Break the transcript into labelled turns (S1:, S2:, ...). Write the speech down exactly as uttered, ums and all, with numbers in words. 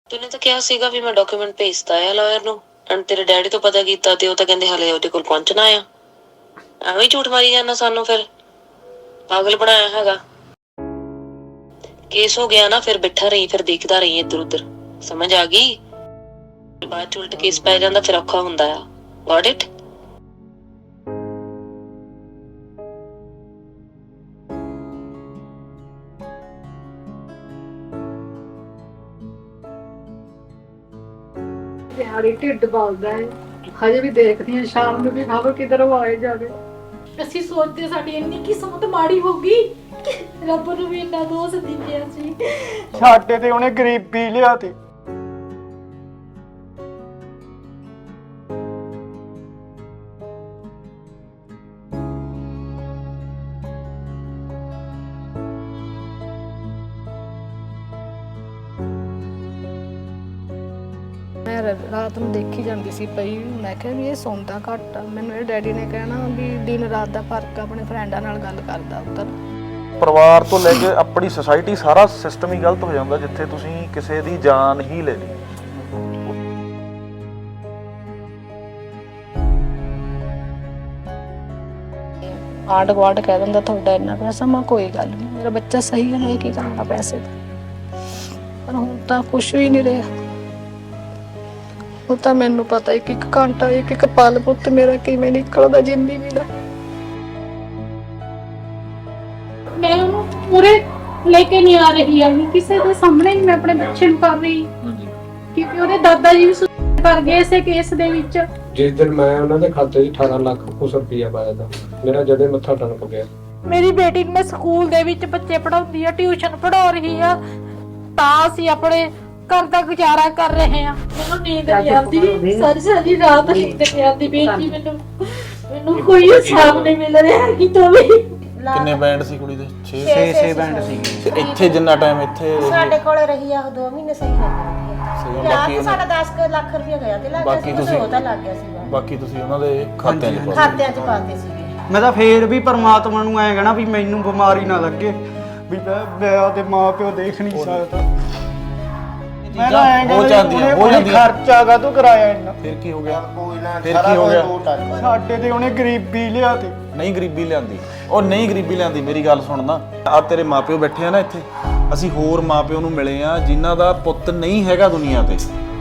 S1: ਤੂਨੇ ਤਾਂ ਕਿਹਾ ਸੀਗਾ ਵੀ ਮੈਂ ਡਾਕੂਮੈਂਟ ਭੇਜਤਾ ਆ ਲਾਇਰ ਨੂੰ ਐਂਡ ਤੇਰੇ ਡੈਡੀ ਤੋਂ ਪਤਾ ਕੀਤਾ ਤੇ ਉਹ ਤਾਂ ਕਹਿੰਦੇ ਹਾਲੇ ਉਹਦੇ ਕੋਲ ਪਹੁੰਚਣਾ ਆ। ਐਵੇਂ ਹੀ ਝੂਠ ਮਾਰੀ ਜਾਂਦਾ ਸਾਨੂੰ, ਫਿਰ ਪਾਗਲ ਬਣਾਇਆ ਹੈਗਾ। ਕੇਸ ਹੋ ਗਿਆ ਨਾ, ਫਿਰ ਬਿਠਾ ਰਹੀ, ਫਿਰ ਦੇਖਦਾ ਰਹੀ ਇੱਧਰ ਉੱਧਰ, ਸਮਝ ਆ ਗਈ? ਬਾਅਦ ਚ ਉਲਟ ਕੇਸ ਪੈ ਜਾਂਦਾ, ਫਿਰ ਔਖਾ ਹੁੰਦਾ ਆ। Got it?
S2: ਦਿਹਾੜੀ ਢਿੱਡ ਬਲਦਾ ਹੈ। ਹਜੇ ਵੀ ਦੇਖਦੀ ਹਾਂ ਸ਼ਾਮ ਨੂੰ ਵੀ ਖਬਰ ਕਿਧਰੋਂ ਆਏ ਜਾਵੇ।
S3: ਅਸੀਂ ਸੋਚਦੇ ਸਾਡੀ ਇੰਨੀ ਕਿਸਮਤ ਮਾੜੀ ਹੋ ਗਈ, ਰੱਬ ਨੂੰ ਵੀ ਇੰਨਾ ਦੋਸ਼ ਦੇ ਗਿਆ ਸੀ।
S4: ਸਾਡੇ ਤੇ ਉਹਨੇ ਗਰੀਬੀ ਲਿਆਤੀ।
S2: ਮੈਂ ਰਾਤ ਨੂੰ ਦੇਖੀ ਜਾਂਦੀ ਸੀ ਪਈ, ਮੈਂ ਕਿਹਾ ਵੀ ਇਹ ਸੌਂਦਾ ਘੱਟ ਆ। ਮੈਨੂੰ ਇਹ ਡੈਡੀ ਨੇ ਕਹਿਣਾ ਵੀ ਦਿਨ ਰਾਤ ਦਾ ਫਰਕ, ਆਪਣੇ ਫਰੈਂਡਾਂ ਨਾਲ ਗੱਲ ਕਰਦਾ ਉੱਧਰ।
S5: ਪਰਿਵਾਰ ਤੋਂ ਲੈ ਕੇ ਆਪਣੀ ਸੁਸਾਇਟੀ, ਸਾਰਾ ਸਿਸਟਮ ਹੀ ਗਲਤ ਹੋ ਜਾਂਦਾ ਜਿੱਥੇ ਤੁਸੀਂ ਕਿਸੇ ਦੀ ਜਾਨ ਹੀ ਲੈ ਲਈ।
S2: ਆਂਢ ਗੁਆਂਢ ਕਹਿ ਦਿੰਦਾ ਤੁਹਾਡਾ ਇੰਨਾ ਪੈਸਾ, ਮੈਂ ਕੋਈ ਗੱਲ ਨਹੀਂ, ਮੇਰਾ ਬੱਚਾ ਸਹੀ ਹੈ, ਇਹ ਕੀ ਕਰਨਾ ਪੈਸੇ ਦਾ। ਪਰ ਹੁਣ ਤਾਂ ਕੁਛ ਵੀ ਨਹੀਂ ਰਿਹਾ। ਉਹ ਤਾਂ ਮੈਨੂੰ ਪਤਾ ਇੱਕ ਇੱਕ ਘੰਟਾ, ਇੱਕ ਇੱਕ ਪਲ ਪੁੱਤ ਮੇਰਾ ਕਿਵੇਂ ਨਿਕਲਦਾ ਜ਼ਿੰਦਗੀ ਦਾ।
S3: ਮੈਂ ਉਹਨੂੰ ਪੂਰੇ ਲੈ ਕੇ ਨਹੀਂ ਆ ਰਹੀ ਆ, ਕਿਸੇ ਦੇ ਸਾਹਮਣੇ ਨਹੀਂ ਮੈਂ ਆਪਣੇ ਬੱਚੇ ਨੂੰ ਕਰ ਰਹੀ, ਕਿਉਂਕਿ ਉਹਦੇ ਦਾਦਾ ਜੀ ਵੀ ਸੁਸਾਈਡ ਕਰ ਗਏ ਇਸੇ ਕੇਸ ਦੇ ਵਿੱਚ।
S6: ਜਿਸ ਦਿਨ ਮੈਂ ਉਹਨਾਂ ਦੇ ਖਾਤੇ 'ਚ ਅਠਾਰਾਂ ਲੱਖ ਕੁਛ ਰੁਪਈਆ ਪਾਇਆ ਤਾਂ ਮੇਰਾ ਜਦੇ ਮੱਥਾ ਟਣਕ ਗਿਆ।
S3: ਮੇਰੀ ਬੇਟੀ ਨੂੰ ਮੈਂ ਸਕੂਲ ਦੇ ਵਿੱਚ ਬੱਚੇ ਪੜਾਉਂਦੀ ਆ, ਟਿਊਸ਼ਨ ਪੜ੍ਹਾ ਰਹੀ ਆ, ਤਾਂ ਅਸੀਂ ਆਪਣੇ ਘਰ ਦਾ ਗੁਜ਼ਾਰਾ ਕਰ ਰਹੇ ਆ। ਮੈਨੂੰ ਨੀਂਦ ਨਹੀਂ ਆਉਂਦੀ, ਸਾਰੀ ਸਾਰੀ ਰਾਤ ਨੀਂਦ ਨਹੀਂ ਆਉਂਦੀ ਬੇਟੀ ਮੈਨੂੰ ਮੈਨੂੰ ਕੋਈ ਹਿਸਾਬ ਨਹੀਂ ਮਿਲ ਰਿਹਾ ਕਿਤੋਂ ਵੀ।
S5: ਕਿੰਨੇ ਬੈਂਡ ਸੀ ਕੁੜੀ ਦੇ? ਛੇ
S7: ਛੇ ਬੈਂਡ ਸੀ।
S5: ਤੇ ਇੱਥੇ ਜਿੰਨਾ ਟਾਈਮ ਇੱਥੇ
S7: ਸਾਡੇ ਕੋਲ ਰਹੀ ਆ ਦੋ ਮਹੀਨੇ ਸਹੀ ਰਹੀ
S5: ਸਹੀ,
S7: ਆ।
S5: ਬਾਕੀ
S7: ਸਾਡਾ ਦਸ ਲੱਖ ਰੁਪਏ ਗਿਆ ਤੇ ਲੱਗ ਗਿਆ
S5: ਬਾਕੀ
S7: ਸੀ,
S5: ਤੁਸੀਂ
S7: ਉਹਦਾ ਲੱਗ ਗਿਆ ਸੀ।
S5: ਬਾਕੀ ਤੁਸੀਂ ਉਹਨਾਂ ਦੇ ਖਾਤਿਆਂ 'ਚ ਪਾ
S7: ਖਾਤਿਆਂ 'ਚ ਪਾਤੇ ਸੀਗੇ।
S4: ਮੈਂ ਤਾਂ ਫੇਰ ਵੀ ਪਰਮਾਤਮਾ ਨੂੰ ਐਂ ਕਹਿਣਾ ਵੀ ਮੈਨੂੰ ਬਿਮਾਰੀ ਨਾ ਲੱਗੇ, ਵੀ ਮੈਂ ਮੈਂ ਉਹਦੇ ਮਾਂ ਪਿਓ ਦੇਖ ਨਹੀਂ ਸਕਦਾ। ਮੈਂ ਤਾਂ ਐਂ
S5: ਹੋ
S4: ਕਹਿੰਦਾ
S5: ਜਾਂਦੀਆਂ, ਹੋ
S4: ਉਹਨੇ
S5: ਜਾਂਦੀਆਂ।
S4: ਖਰਚਾ ਕਾਹਤੋਂ ਕਰਾਇਆ ਇੰਨਾ?
S5: ਫਿਰ ਕੀ ਹੋ ਗਿਆ? ਫਿਰ ਕੀ ਹੋ ਗਿਆ?
S4: ਸਾਡੇ ਤੇ ਉਹਨੇ ਗਰੀਬੀ ਲਿਆਤੀ।
S5: ਨਹੀਂ ਗਰੀਬੀ ਲਿਆਂਦੀ, ਉਹ ਨਹੀਂ ਗਰੀਬੀ ਲਿਆਂਦੀ। ਮੇਰੀ ਗੱਲ ਸੁਣਨਾ, ਆ ਤੇਰੇ ਮਾਪਿਓ ਬੈਠੇ ਆ ਨਾ ਇੱਥੇ, ਅਸੀਂ ਹੋਰ ਮਾਪਿਓ ਨੂੰ ਮਿਲੇ ਆ ਜਿਨ੍ਹਾਂ ਦਾ ਪੁੱਤ ਨਹੀਂ ਹੈਗਾ ਦੁਨੀਆ ਤੇ।